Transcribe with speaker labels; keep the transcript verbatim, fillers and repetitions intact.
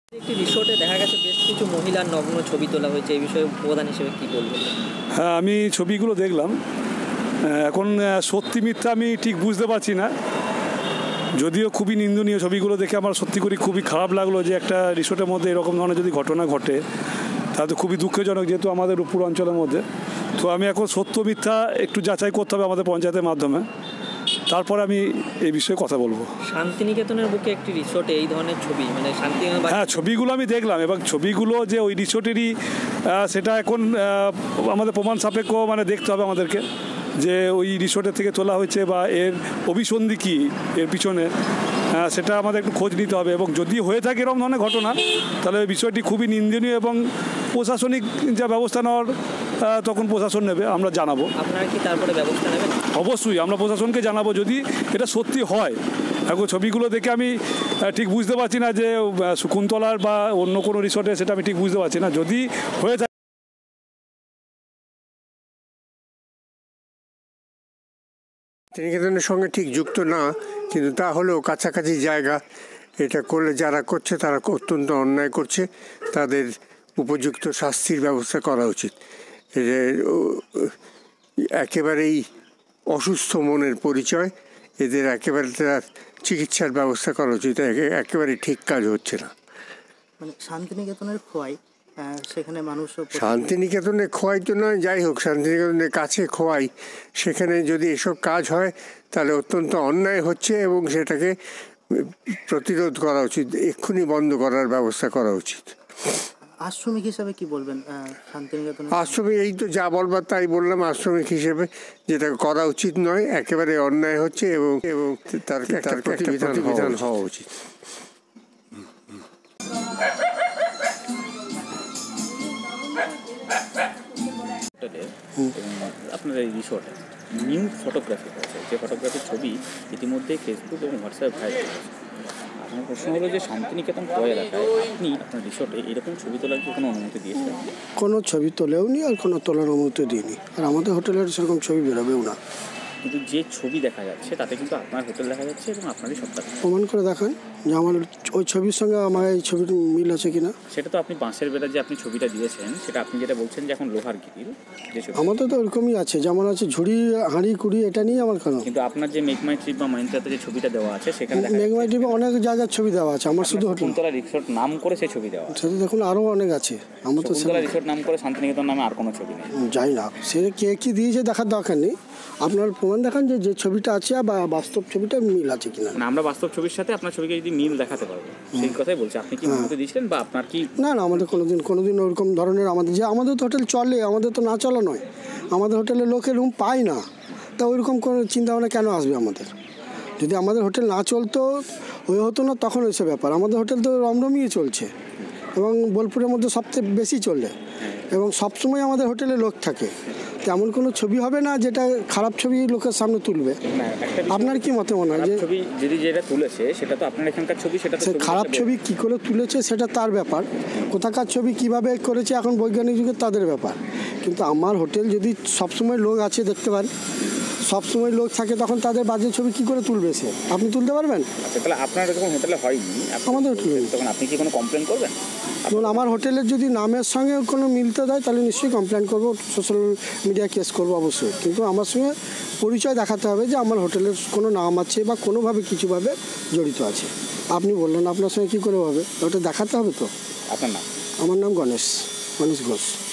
Speaker 1: একটি রিসোর্টে দেখা গেছে বেশ কিছু মহিলার নগ্ন ছবি তোলা হয়েছে, এই বিষয়ে প্রধান হিসেবে কী বলবেন?
Speaker 2: হ্যাঁ, আমি ছবিগুলো দেখলাম। এখন সত্যি মিথ্যা আমি ঠিক বুঝতে পারছি না, যদিও খুবই নিন্দনীয়। ছবিগুলো দেখে আমার সত্যি করে খুবই খারাপ লাগলো যে একটা রিসোর্টের মধ্যে এরকম ধরনের যদি ঘটনা ঘটে তাহলে খুবই দুঃখজনক, যেহেতু আমাদের উপর অঞ্চলের মধ্যে। তো আমি এখন সত্য মিথ্যা একটু যাচাই করতে হবে আমাদের পঞ্চায়েতের মাধ্যমে, তারপর আমি এই বিষয়ে কথা বলবো।
Speaker 1: শান্তিনিকেতনের বুকে একটি রিসোর্টে এই ধরনের ছবি, মানে শান্তিনিকেতন,
Speaker 2: হ্যাঁ ছবিগুলো আমি দেখলাম, এবং ছবিগুলো যে ওই রিসোর্টেরই সেটা এখন আমাদের প্রমাণ সাপেক্ষ মানে দেখতে হবে আমাদেরকে, যে ওই রিসোর্টের থেকে তোলা হয়েছে বা এর অভিসন্ধি কী এর পিছনে, সেটা আমাদের একটু খোঁজ নিতে হবে। এবং যদি হয়ে থাকে এরকম ধরনের ঘটনা, তাহলে ওই বিষয়টি খুবই নিন্দনীয় এবং প্রশাসনিক যা ব্যবস্থা নেওয়ার তখন প্রশাসন নেবে, আমরা জানাবো।
Speaker 1: আপনারা কি তারপরে ব্যবস্থা নেবেন?
Speaker 2: অবশ্যই আমরা প্রশাসনকে জানাবো যদি এটা সত্যি হয়। এখন ছবিগুলো দেখে আমি ঠিক বুঝতে পারছি না যে শকুন্তলার বা অন্য কোনো রিসোর্টে, সেটা আমি ঠিক বুঝতে পারছি না। যদি হয়ে থাকে
Speaker 3: শান্তিনিকেতনের সঙ্গে ঠিক যুক্ত না, কিন্তু তা হলেও কাছাকাছি জায়গা। এটা করলে যারা করছে তারা অত্যন্ত অন্যায় করছে, তাদের উপযুক্ত শাস্তির ব্যবস্থা করা উচিত। একেবারেই অসুস্থ মনের পরিচয়, এদের একেবারে তার চিকিৎসার ব্যবস্থা করা উচিত। একেবারে ঠিক কাজ হচ্ছে না।
Speaker 4: মানে শান্তিনিকেতনের খোয়াই, সেখানে মানুষ
Speaker 3: শান্তিনিকেতনে খোয়াই তো নয়, যাই হোক শান্তিনিকেতনের কাছে খোয়াই, সেখানে যদি এসব কাজ হয় তাহলে অত্যন্ত অন্যায় হচ্ছে এবং সেটাকে প্রতিরোধ করা উচিত, এক্ষুনি বন্ধ করার ব্যবস্থা করা উচিত।
Speaker 4: আশ্রমিক হিসাবে কি বলবেন শান্তিনিকেতন?
Speaker 3: আশ্রমিক এই তো যা বলবার তাই বললাম। আশ্রমিক হিসেবে যেটা করা উচিত নয়, একেবারে অন্যায় হচ্ছে এবং এবং তার একটা প্রতিবিধান হওয়া উচিত।
Speaker 5: আপনার এই রিসোর্টে নিউ ফটোগ্রাফি হয়েছে, যে ফটোগ্রাফির ছবি ইতিমধ্যে ফেসবুক এবং হোয়াটসঅ্যাপে ভাইরাল হয়েছে। আপনার প্রশ্ন হলো যে শান্তিনিকেতন ক্রয় এলাকায় আপনি আপনার রিসোর্টে এরকম ছবি তোলার কি কোনো অনুমতি দিয়েছেন?
Speaker 6: কোনো ছবি তোলেও নি আর কোনো তোলার অনুমতি দিইনি, আর আমাদের হোটেলের সেরকম ছবি বেরোবেও না।
Speaker 5: কিন্তু যে ছবি দেখা যাচ্ছে তাতে কিন্তু আপনার হোটেল দেখা যাচ্ছে এবং আপনারই সবটা
Speaker 6: প্রমাণ করে দেখান যে আমার ওই ছবির সঙ্গে আমার এই ছবির মিল আছে কিনা।
Speaker 5: সেটা তো আপনি বাঁশের বেড়া যে আপনি ছবিটা দিয়েছেন, সেটা আপনি যেটা বলছেন যে এখন লোহার গিরিল যে ছবি,
Speaker 6: আমাদের তো ওরকমই আছে, যেমন আছে ঝুড়ি হাঁড়ি কুড়ি, এটা নিয়ে আমার কেন।
Speaker 5: কিন্তু আপনার যে মেঘমাই ট্রিপ বা মাইন্দ্রাতে যে ছবিটা দেওয়া আছে সেখানে
Speaker 6: মেঘমাই ট্রিপে অনেক জায়গার ছবি দেওয়া আছে, আমার শুধু হোটেল
Speaker 5: শকুন্তলা রিসোর্ট নাম করে সেই ছবি দেওয়া আছে।
Speaker 6: সেটা দেখুন আরও অনেক আছে, আমার তো
Speaker 5: শকুন্তলা রিসোর্ট নাম করে শান্তিনিকেতন নামে আর কোনো ছবি নেই।
Speaker 6: যাই না, সে কে কী দিয়েছে দেখার দরকার নেই, আপনার প্রমাণ দেখান যে যে ছবিটা আছে বা বাস্তব ছবিটা মিল আছে কিনা।
Speaker 5: না, আমরা বাস্তব ছবির সাথে আপনার ছবিকে যদি মিল দেখাতে পারবো সেই কথাই বলছি। আপনি কি অনুমতি দিয়েছিলেন বা আপনার কি?
Speaker 6: না না, আমাদের কোনোদিন কোনোদিন ওরকম ধরনের, আমাদের যে আমাদের তো হোটেল চলে, আমাদের তো না চলা নয়, আমাদের হোটেলে লোকে রুম পায় না, তা ওইরকম কোনো চিন্তাভাবনা কেন আসবে আমাদের? যদি আমাদের হোটেল না চলতো, ওই হতো না, তখন ওইসব ব্যাপার। আমাদের হোটেল তো রমরমিয়ে চলছে এবং বোলপুরের মধ্যে সবচেয়ে বেশি চলে এবং সবসময় আমাদের হোটেলে লোক থাকে। তেমন কোনো ছবি হবে না যেটা খারাপ ছবি লোকের সামনে তুলবে। আপনার কি মতে মনে হয় যে
Speaker 5: ছবি যদি যেটা তুলেছে সেটা তো আপনার এখানকার ছবি, সেটা তো
Speaker 6: খারাপ ছবি কী করে তুলেছে সেটা তার ব্যাপার, কোথাকার ছবি কিভাবে করেছে এখন বৈজ্ঞানিক যুগে তাদের ব্যাপার। কিন্তু আমার হোটেল যদি সবসময় লোক আছে দেখতে পান, সবসময় লোক থাকে, তখন তাদের বাজে ছবি কী করে তুলবে সে? আপনি তুলতে পারবেন?
Speaker 5: আচ্ছা, তাহলে আপনার যখন হোটেলে হয়নি,
Speaker 6: আমাদের হোটেলে
Speaker 5: তখন আপনি কি কোনো কমপ্লেন করবেন?
Speaker 6: ধরুন আমার হোটেলের যদি নামের সঙ্গে কোনো মিলতে দেয় তাহলে নিশ্চয়ই কমপ্লেন করবো, সোশ্যাল মিডিয়া কেস করবো অবশ্যই। কিন্তু আমার সঙ্গে পরিচয় দেখাতে হবে যে আমার হোটেলের কোনো নাম আছে বা কোনোভাবে কিছুভাবে জড়িত আছে। আপনি বললেন আপনার সঙ্গে কী করে হবে, ওটা দেখাতে হবে তো।
Speaker 5: আপনার নাম?
Speaker 6: আমার নাম গণেশ গণেশ ঘোষ।